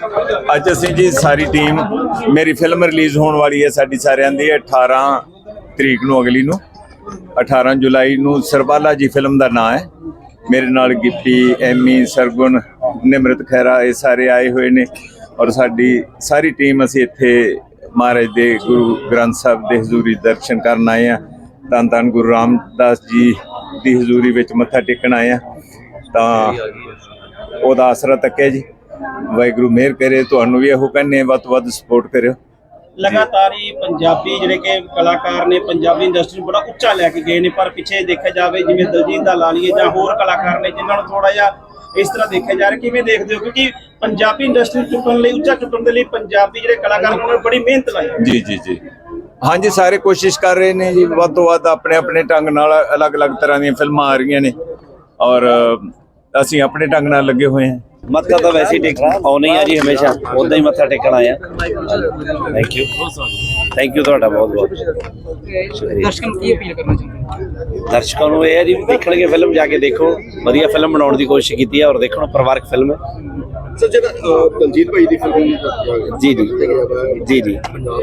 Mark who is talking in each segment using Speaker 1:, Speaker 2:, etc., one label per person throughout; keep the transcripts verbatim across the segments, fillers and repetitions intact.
Speaker 1: ਅੱਜ ਅਸੀਂ ਜੀ ਸਾਰੀ ਟੀਮ ਮੇਰੀ ਫਿਲਮ ਰਿਲੀਜ਼ ਹੋਣ ਵਾਲੀ ਹੈ ਸਾਡੀ ਸਾਰਿਆਂ ਦੀ ਅਠਾਰਾਂ ਤਰੀਕ ਨੂੰ ਅਗਲੀ ਨੂੰ ਅਠਾਰਾਂ ਜੁਲਾਈ ਨੂੰ ਸਰਬਾਲਾ ਜੀ ਫਿਲਮ ਦਾ ਨਾਂ ਹੈ। ਮੇਰੇ ਨਾਲ ਗਿੱਪੀ ਐਮੀ ਸਰਗੁਣ ਨਿਮਰਤ ਖੈਰਾ ਇਹ ਸਾਰੇ ਆਏ ਹੋਏ ਨੇ ਔਰ ਸਾਡੀ ਸਾਰੀ ਟੀਮ ਅਸੀਂ ਇੱਥੇ ਮਹਾਰਾਜ ਦੇ ਗੁਰੂ ਗ੍ਰੰਥ ਸਾਹਿਬ ਦੇ ਹਜ਼ੂਰੀ ਦਰਸ਼ਨ ਕਰਨ ਆਏ ਹਾਂ। ਧੰਨ ਧੰਨ ਗੁਰੂ ਰਾਮਦਾਸ ਜੀ ਦੀ ਹਜ਼ੂਰੀ ਵਿੱਚ ਮੱਥਾ ਟੇਕਣ ਆਏ ਹਾਂ ਤਾਂ ਉਹਦਾ ਆਸਰਾ ਤੱਕਿਆ ਜੀ। ਵਾਹਿਗੁਰੂ ਮਿਹਰ ਕਰੇ। ਤੁਹਾਨੂੰ ਵੀ ਇਹੋ ਕਹਿੰਦੇ ਵੱਧ ਤੋਂ ਵੱਧ ਸਪੋਰਟ ਕਰਿਓ।
Speaker 2: लगातार ही पंजाबी जिहड़े कि कलाकार ने पंजाबी इंडस्ट्री नूं बड़ा उच्चा लैके गए ने पर पिछे देखा जाए जिवें दलजीत दा ला लीए जां होर कलाकार ने जिन्हां नूं थोड़ा जिहा इस तरह देखा जा रहा किवें देखदे हो क्योंकि पंजाबी इंडस्ट्री चुकण लई उच्चा चुकण दे लई पंजाबी जिहड़े कलाकार उन्होंने बड़ी मेहनत लाई।
Speaker 1: जी जी जी हाँ जी सारे कोशिश कर रहे हैं जी ਵੱਧ ਤੋਂ ਵੱਧ अपने अपने ढंग नाल अलग अलग तरह दी फिल्मां आ रही ने और ਅਸੀਂ ਆਪਣੇ ਢੰਗ ਨਾਲ ਲੱਗੇ ਹੋਏ ਹਾਂ।
Speaker 3: ਮੱਥਾ ਤਾਂ ਵੈਸੇ ਹੀ ਟੇਕ ਆਉਣੀ ਆ ਜੀ ਹਮੇਸ਼ਾ ਉਦਾਂ ਹੀ ਮੱਥਾ ਟੇਕਣ ਆਇਆ। ਥੈਂਕ ਯੂ ਥੈਂਕ ਯੂ ਤੁਹਾਡਾ ਬਹੁਤ ਬਹੁਤ
Speaker 2: ਦਰਸ਼ਕਾਂ ਨੂੰ ਕੀ ਅਪੀਲ ਕਰਨਾ ਚਾਹੁੰਦੇ ਹੋ?
Speaker 3: ਦਰਸ਼ਕਾਂ ਨੂੰ ਇਹ ਹੈ ਜੀ ਦੇਖਣਗੇ ਫਿਲਮ ਜਾ ਕੇ ਦੇਖੋ ਵਧੀਆ ਫਿਲਮ ਬਣਾਉਣ ਦੀ ਕੋਸ਼ਿਸ਼ ਕੀਤੀ ਹੈ ਔਰ ਦੇਖੋ ਪਰਿਵਾਰਕ ਫਿਲਮ ਹੈ।
Speaker 4: ਸਰ ਜਿਹੜਾ ਦਲਜੀਤ ਭਾਈ ਦੀ ਫਿਲਮ
Speaker 3: ਜੀ ਜੀ ਜੀ ਜੀ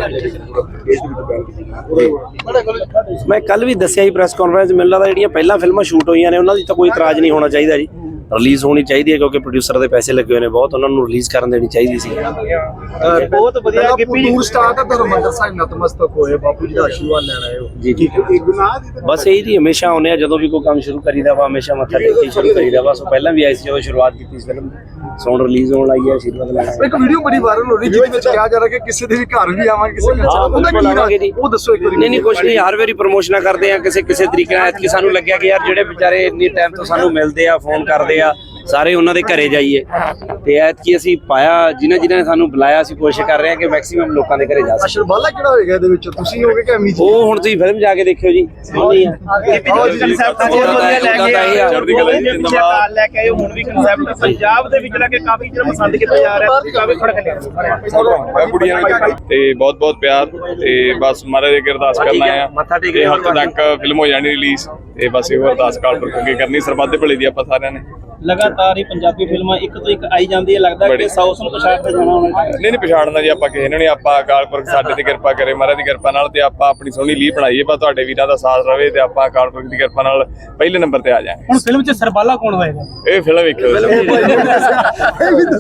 Speaker 3: ਮੈਂ ਕੱਲ ਵੀ ਦੱਸਿਆ ਜੀ ਪ੍ਰੈਸ ਕਾਨਫਰੰਸ ਮੈਨੂੰ ਲੱਗਦਾ ਜਿਹੜੀਆਂ ਪਹਿਲਾਂ ਫਿਲਮਾਂ ਸ਼ੂਟ ਹੋਈਆਂ ਨੇ ਉਹਨਾਂ ਦੀ ਤਾਂ ਕੋਈ ਇਤਰਾਜ਼ ਨਹੀਂ ਹੋਣਾ ਚਾਹੀਦਾ ਜੀ। ਰਿਲੀਜ਼ ਹੋਣੀ ਚਾਹੀਦੀ ਹੈ ਕਿਉਂਕਿ ਪ੍ਰੋਡਿਊਸਰ ਦੇ ਪੈਸੇ ਲੱਗੇ ਹੋਏ ਨੇ ਬਹੁਤ ਉਹਨਾਂ ਨੂੰ ਰਿਲੀਜ਼ ਕਰਨ ਦੇਣੀ ਚਾਹੀਦੀ ਸੀ।
Speaker 2: ਬਹੁਤ ਵਧੀਆ ਗਿੱਪੀ
Speaker 4: ਟੂਰ ਸਟਾਰਟ ਹੈ ਧਰਮੰਦਰ ਸਾਹਿਬ ਨਤਮਸਤਕ ਹੋਏ ਬਾਪੂ ਜੀ ਦਾ ਆਸ਼ੀਰਵਾਦ ਲੈਣ ਆਏ ਹੋ।
Speaker 3: ਜੀ ਜੀ ਬਸ ਇਹੀ ਜੀ ਹਮੇਸ਼ਾ ਆਉਂਦੇ ਆ ਜਦੋਂ ਵੀ ਕੋਈ ਕੰਮ ਸ਼ੁਰੂ ਕਰੀਦਾ ਵਾ ਹਮੇਸ਼ਾ ਮੱਥਾ ਟੇਕ ਕੇ ਸ਼ੁਰੂ ਕਰੀਦਾ ਵਾ। ਸੋ ਪਹਿਲਾਂ ਵੀ ਆਈ ਸੀ ਜਦੋਂ ਸ਼ੁਰੂਆਤ ਕੀਤੀ ਸੀ ਫਿਲਮ ਸੌਣ ਰਿਲੀਜ਼ ਹੋਣ ਲਈ ਹੈ ਆਸ਼ੀਰਵਾਦ ਲੈਣਾ।
Speaker 4: ਇੱਕ ਵੀਡੀਓ ਬੜੀ ਵਾਇਰਲ ਹੋ ਰਹੀ ਜਿਹਦੇ ਵਿੱਚ ਕਿਹਾ ਜਾ ਰਿਹਾ ਕਿ ਕਿਸੇ ਦੇ ਵੀ ਘਰ ਵੀ ਆਵਾਂਗੇ ਕਿਸੇ ਦੇ ਉਹਦਾ ਕੀ ਰਾਜ ਉਹ ਦੱਸੋ ਇੱਕ ਵਾਰੀ।
Speaker 3: ਨਹੀਂ ਨਹੀਂ ਕੁਛ ਨਹੀਂ ਹਰ ਵਾਰੀ ਪ੍ਰਮੋਸ਼ਨਾਂ ਕਰਦੇ ਆ ਕਿਸੇ ਕਿਸੇ ਤਰੀਕੇ ਨਾਲ ਕਿ ਸਾਨੂੰ ਲੱਗਿਆ ਕਿ ਯਾਰ ਜਿਹੜੇ ਵਿਚਾਰੇ ਇੰਨੀ ਟਾਈਮ ਤੋਂ ਸਾਨੂੰ ਮਿਲਦੇ ਆ ਫੋਨ ਕਰਦੇ ਆ ਸਾਰੇ ਉਹਨਾਂ ਦੇ ਘਰੇ ਜਾਈਏ ਤੇ ਐਤਕੀ ਅਸੀਂ ਪਾਇਆ ਜਿਨ੍ਹਾਂ ਜਿਨ੍ਹਾਂ ਨੇ ਸਾਨੂੰ ਬੁਲਾਇਆ ਅਸੀਂ ਕੋਸ਼ਿਸ਼ ਕਰ ਰਹੇ ਹਾਂ ਕਿ ਮੈਕਸਿਮਮ ਲੋਕਾਂ ਦੇ ਘਰੇ ਜਾ ਸਕੀਏ।
Speaker 4: ਅਸ਼ਰਬਾਲਾ ਕਿਹੜਾ ਹੋਏਗਾ ਇਹਦੇ ਵਿੱਚ ਤੁਸੀਂ ਹੋਗੇ ਕਿ ਐਮੀ ਜੀ?
Speaker 3: ਉਹ ਹੁਣ ਤੁਸੀਂ ਫਿਲਮ ਜਾ ਕੇ ਦੇਖਿਓ ਜੀ।
Speaker 2: ਲੈ ਕੇ ਆਏ ਹੁਣ ਵੀ ਕਨਸੈਪਟ ਪੰਜਾਬ ਦੇ ਵਿੱਚ ਲੈ ਕੇ ਕਾਫੀ ਜਿਹੜਾ ਪਸੰਦ ਕੀਤਾ ਜਾ ਰਿਹਾ ਕਾਫੀ ਖੜਕ ਲਿਆ
Speaker 5: ਕੁੜੀਆਂ ਤੇ ਬਹੁਤ ਬਹੁਤ ਪਿਆਰ ਤੇ ਬਸ ਮਹਾਰਾਜ ਅੱਗੇ ਅਰਦਾਸ ਕਰਨਾ ਆ ਤੇ ਹਫ਼ਤੇ ਤੱਕ ਫਿਲਮ ਹੋ ਜਾਣੀ ਰਿਲੀਜ਼ ਤੇ ਬਸ ਇਹੋ ਅਰਦਾਸ ਕਾਲ ਪਰ ਅੱਗੇ ਕਰਨੀ ਸਰਬੱਤ ਦੇ ਭਲੇ ਦੀ ਆਪਾਂ ਸਾਰਿਆਂ ਨੇ।
Speaker 2: ਲਗਾਤਾਰ ਹੀ ਪੰਜਾਬੀ ਫਿਲਮਾਂ ਇੱਕ ਤੋਂ ਇੱਕ ਆਈ ਜਾਂਦੀ ਹੈ ਲੱਗਦਾ ਕਿ ਸੌ ਨੂੰ ਪਛਾੜ ਜਾਣਾ ਹੋਣਾ।
Speaker 5: ਨਹੀਂ ਨਹੀਂ ਪਛਾੜਨਾ ਜੀ ਆਪਾਂ ਕਿਸੇ ਨੇ ਨਹੀਂ ਆਪਾਂ ਅਕਾਲ ਪੁਰਖ ਸਾਡੇ ਤੇ ਕਿਰਪਾ ਕਰੇ ਮਹਾਰਾਜ ਦੀ ਕਿਰਪਾ ਨਾਲ ਤੇ ਆਪਾਂ ਆਪਣੀ ਸੋਹਣੀ ਲੀਹ ਬਣਾਈਏ ਪਰ ਤੁਹਾਡੇ ਵੀਰਾਂ ਦਾ ਸਾਥ ਰਵੇ ਤੇ ਆਪਾਂ ਅਕਾਲ ਪੁਰਖ ਦੀ ਕਿਰਪਾ ਨਾਲ ਪਹਿਲੇ ਨੰਬਰ ਤੇ ਆ ਜਾਵਾਂਗੇ।
Speaker 2: ਹੁਣ ਫਿਲਮ 'ਚ ਸਰਬਾਲਾ ਕੌਣ ਹੋਏਗਾ?
Speaker 5: ਇਹ ਫਿਲਮ ਵੇਖਿਓ।